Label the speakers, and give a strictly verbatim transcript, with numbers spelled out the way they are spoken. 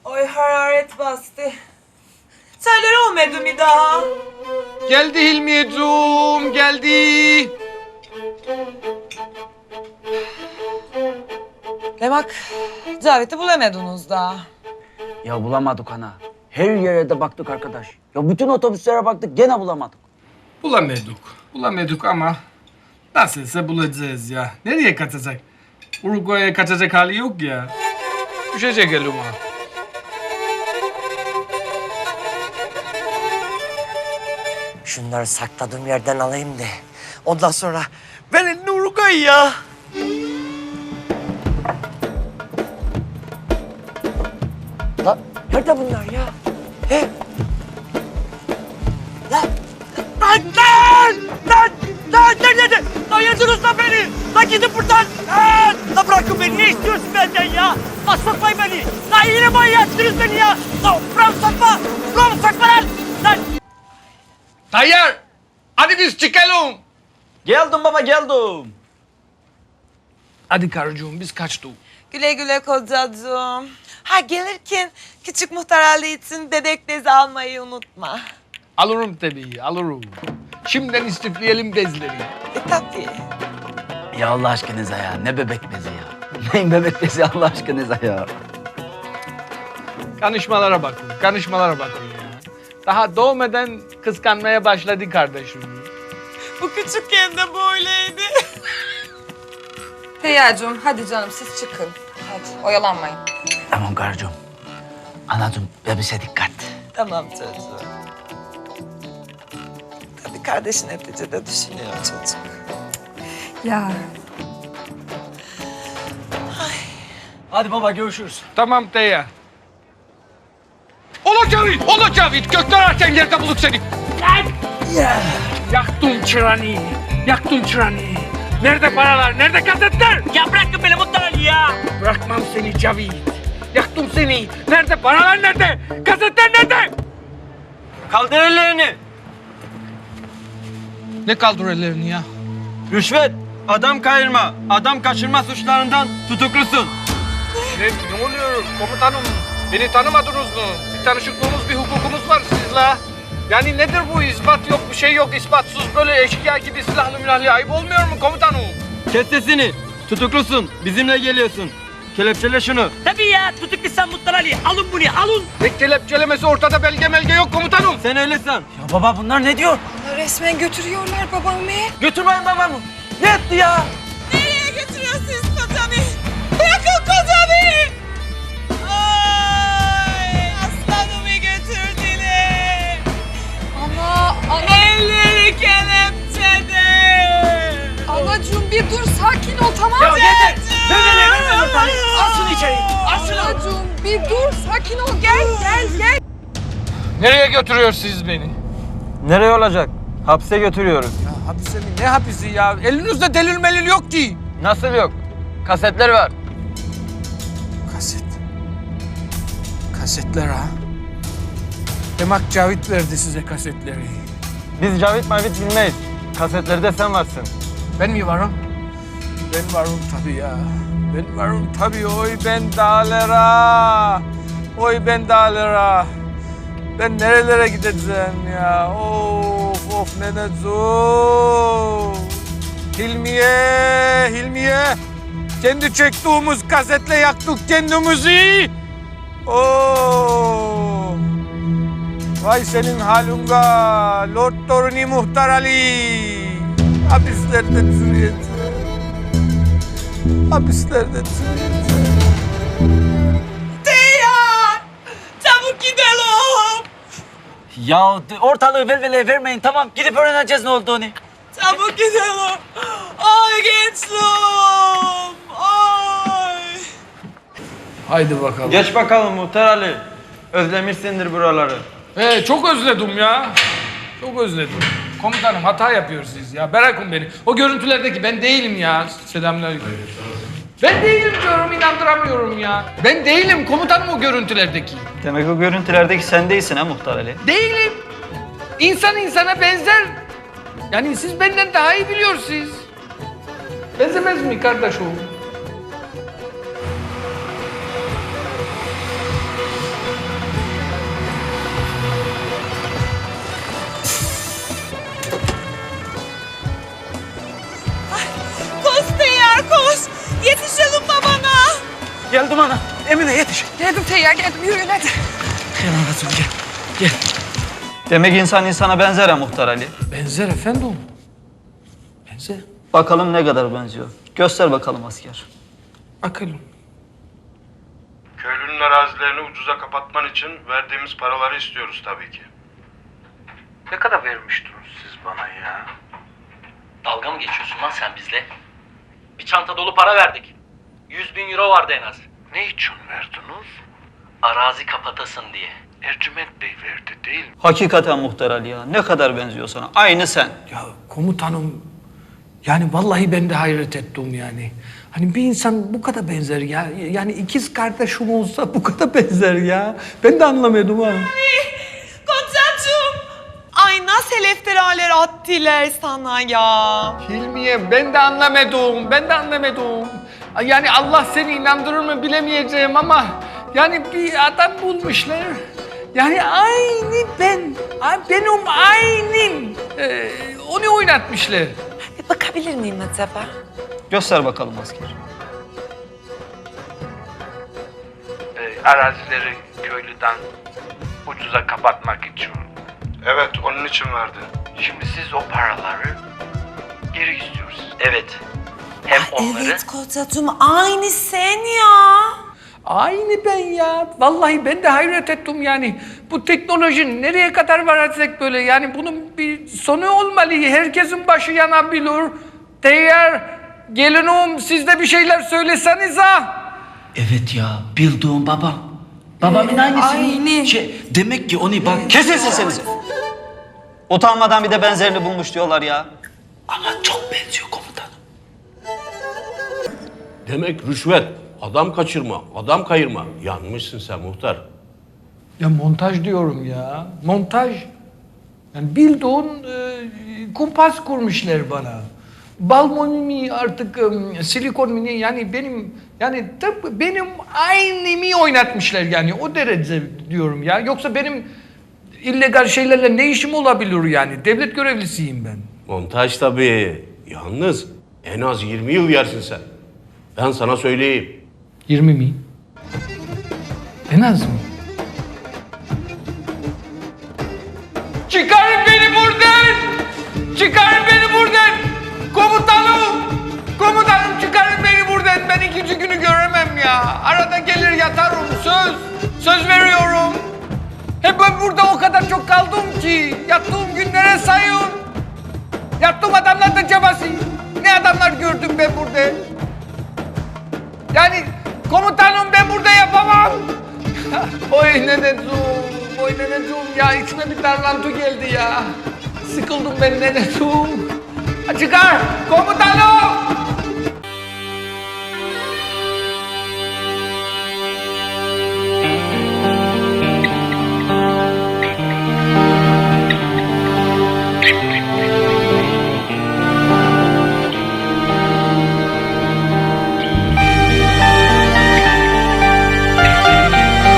Speaker 1: Oy hararet bastı. Seller olmadı mı daha?
Speaker 2: Geldi Hilmiyeciğim, geldi.
Speaker 1: Demek Cavit'i bulamadınız daha.
Speaker 3: Ya bulamadık ana. Her yere de baktık arkadaş. Ya bütün otobüslere baktık gene bulamadık.
Speaker 2: Bulamadık, bulamadık ama nasılsa bulacağız ya. Nereye kaçacak? Uruguay'a kaçacak hali yok ya. Düşecek elime.
Speaker 4: Şunları sakladığım yerden alayım da ondan sonra ben elini Uruguay ya. Lan nerede bunlar ya? He? Lan! Lan! Lan! Lan! Lan! Nerede? Lan yediniz lan beni! Lan gidin buradan! Lan! Lan bırakın beni! Ne istiyorsun benden ya? Lan sokmayın beni! Lan yine manyaksınız beni ya! Lan buramı sokma! Buramı sokma lan! Lan!
Speaker 2: Tayyar! Hadi biz çıkalım.
Speaker 3: Geldim baba geldim.
Speaker 2: Hadi karıcığım biz kaçtık.
Speaker 1: Güle güle kocacığım. Ha gelirken küçük muhtar Ali için bebek bezi almayı unutma.
Speaker 2: Alırım tabii, alırım. Şimdiden istifleyelim bezleri.
Speaker 1: E tabii.
Speaker 3: Ya Allah aşkınıza ya ne bebek bezi ya. Neyin bebek bezi Allah aşkınıza ya.
Speaker 2: Kanışmalara bakın, kanışmalara bakın ya. Daha doğmadan kıskanmaya başladı kardeşim.
Speaker 1: Bu küçükken de böyleydi.
Speaker 5: Feyyacığım hadi canım siz çıkın. Hadi oyalanmayın.
Speaker 3: Tamam karıcığım. Anacığım bebeğe dikkat.
Speaker 1: Tamam çocuğum. Tabii kardeşin neticede düşünüyor çocuk.
Speaker 5: Ya.
Speaker 3: Hadi baba görüşürüz.
Speaker 2: Tamam Tayyar. Ola Cavit, ola Cavit. Gökten ararken yerde bulduk seni. Yaktım çırağını, yaktım çırağını. Nerede paralar, nerede kasetler?
Speaker 4: Ya bırakın beni Muhtar Ali ya!
Speaker 2: Bırakmam seni Cavit. Yaktım seni. Nerede paralar, nerede? Kasetler nerede?
Speaker 3: Kaldır ellerini.
Speaker 2: Ne kaldır ellerini ya?
Speaker 6: Rüşvet, adam kayırma, adam kaçırma suçlarından tutuklusun.
Speaker 2: Ne, ne oluyor komutanım? Beni tanımadınız mı? Bir tanışıklığımız, bir hukukumuz var sizle. Yani nedir bu? İspat yok, bir şey yok. İspatsız böyle eşkıya gibi silahlı mülahlı ayıp olmuyor mu komutanım?
Speaker 6: Kes sesini, tutuklusun, bizimle geliyorsun. Kelepçele şunu.
Speaker 4: Tabii ya tutuklusan Muhtar Ali. Alın bunu alın.
Speaker 2: Ne kelepçelemesi ortada belge melge yok komutanım.
Speaker 6: Sen öyle san.
Speaker 3: Ya baba bunlar ne diyor?
Speaker 5: Resmen götürüyorlar babamı.
Speaker 3: Götürmeyin babamı. Ne etti ya?
Speaker 1: Nereye götürüyorsunuz kocamı? Bırakın kocamı! Ay, aslanımı götürdüler.
Speaker 5: Ana, ana,
Speaker 1: Elleri kelepçede.
Speaker 5: anacığım bir dur sakin ol tamam
Speaker 4: Ya
Speaker 5: mı?
Speaker 4: yeter. Böyle verme Muhtar Ali. Al şunu içeri. Al şunu.
Speaker 5: Anacığım bir dur sakin ol gel gel gel.
Speaker 2: Nereye götürüyorsunuz beni?
Speaker 6: Nereye olacak? Hapse götürüyoruz.
Speaker 2: Ya hapise mi? Ne hapisi ya? Elinizde delil melil yok ki.
Speaker 6: Nasıl yok? Kasetler var.
Speaker 2: Kaset. Kasetler ha. Demek Cavit verdi size kasetleri.
Speaker 6: Biz Cavit Mavit bilmeyiz. Kasetlerde sen varsın.
Speaker 2: Ben mi varım? Ben varım tabii ya. Ben varım tabii. Oy ben dağlara. Oy ben dağlara. Ben nerelere gideceğim ya? Of of neneciğim. Hilmiye, Hilmiye. Kendi çektiğimiz kasetle yaktık kendimizi. Oo. Vay senin halunga. Lord Toruni Muhtar Ali. Hapislerde çürüyeceğim. Hapislerde çürüyeceğim.
Speaker 1: Teyar! Çabuk gidelim.
Speaker 3: Ya ortalığı velveleye vermeyin tamam. Gidip öğreneceğiz ne olduğunu.
Speaker 1: Çabuk gidelim. Ay gençliğim. Ay.
Speaker 2: Haydi bakalım.
Speaker 6: Geç bakalım Muhtar Ali. Özlemişsindir buraları.
Speaker 2: Ee, çok özledim ya. Çok özledim. Komutanım hata yapıyorsunuz ya. Bırakın beni. O görüntülerdeki ben değilim ya. Selamünaleyküm. Ben değilim diyorum, inandıramıyorum ya. Ben değilim komutanım o görüntülerdeki.
Speaker 6: Demek o görüntülerdeki sen değilsin ha Muhtar Ali.
Speaker 2: Değilim. İnsan insana benzer. Yani siz benden daha iyi biliyorsunuz. Benzemez mi kardeşim?
Speaker 3: Duman'a. Emine yetiş.
Speaker 5: Geldim Feyyar geldim yürüyün hadi.
Speaker 3: Gel anacığım gel. Gel.
Speaker 6: Demek insan insana benzer ha Muhtar Ali.
Speaker 2: Benzer efendim. Benzer.
Speaker 6: Bakalım ne kadar benziyor. Göster bakalım asker.
Speaker 2: Bakalım.
Speaker 7: Köylünün arazilerini ucuza kapatman için verdiğimiz paraları istiyoruz tabii ki.
Speaker 8: Ne kadar vermiştiniz siz bana ya?
Speaker 9: Dalga mı geçiyorsun lan sen bizle? Bir çanta dolu para verdik. Yüz bin euro vardı en az.
Speaker 8: Ne için verdiniz?
Speaker 9: Arazi kapatasın diye.
Speaker 8: Ercüment Bey verdi değil mi?
Speaker 6: Hakikaten Muhtar Ali ya. Ne kadar benziyor sana. Aynı sen.
Speaker 2: Ya komutanım, yani vallahi ben de hayret ettim yani. Hani bir insan bu kadar benzer ya. Yani ikiz kardeşim olsa bu kadar benzer ya. Ben de anlamadım ha.
Speaker 1: Kocacığım. Ay nasıl iftiralar attılar sana ya.
Speaker 2: Hilmiye ben de anlamadım, ben de anlamadım. Yani Allah seni inandırır mı bilemeyeceğim ama yani bir adam bulmuşlar. Yani aynı ben, benim aynım. Ee, onu oynatmışlar.
Speaker 1: Bir bakabilir miyim acaba?
Speaker 6: Göster bakalım asker.
Speaker 8: Ee, arazileri köylüden ucuza kapatmak için.
Speaker 7: Evet, onun için verdi.
Speaker 8: Şimdi siz o paraları geri istiyorsunuz.
Speaker 9: Evet. Hem onları
Speaker 1: Evet kocacığım aynı sen ya.
Speaker 2: Aynı ben ya. Vallahi ben de hayret ettim yani. Bu teknoloji nereye kadar varacak böyle? Yani bunun bir sonu olmalı. Herkesin başı yanabilir. Değer, gelinim siz de bir şeyler söyleseniz ha.
Speaker 3: Evet ya bildiğin babam. Babamın aynısı.
Speaker 5: Aynı.
Speaker 3: Şey, demek ki onu bak.
Speaker 6: Kesin sesinizi. Utanmadan bir de benzerini bulmuş diyorlar ya.
Speaker 3: Ama çok benziyor komutanım.
Speaker 10: Demek rüşvet, adam kaçırma, adam kayırma. Yanmışsın sen muhtar.
Speaker 2: Ya montaj diyorum ya. Montaj. Yani bildiğin e, kumpas kurmuşlar bana. Balmon mi artık e, silikon mi ne yani benim yani tıpkı benim aynımı oynatmışlar yani o derece diyorum ya. Yoksa benim illegal şeylerle ne işim olabilir yani? Devlet görevlisiyim ben.
Speaker 10: Montaj tabii. Yalnız en az yirmi yıl yersin sen. Ben sana söyleyeyim.
Speaker 2: yirmi mi? En az mı? Çıkarın beni buradan! Çıkarın beni buradan! Komutanım! Komutanım çıkarın beni buradan! Ben ikinci günü göremem ya. Arada gelir yatarım söz. Söz veriyorum. Hep ben burada o kadar çok kaldım ki. Yattığım günlere sayın. Yattığım adamlar da cabası. Ne adamlar gördüm ben burada. Yani komutanım ben burada yapamam. Oy neneciğim, oy neneciğim ya içime bir darlantı geldi ya. Sıkıldım ben neneciğim. Çıkar komutanım.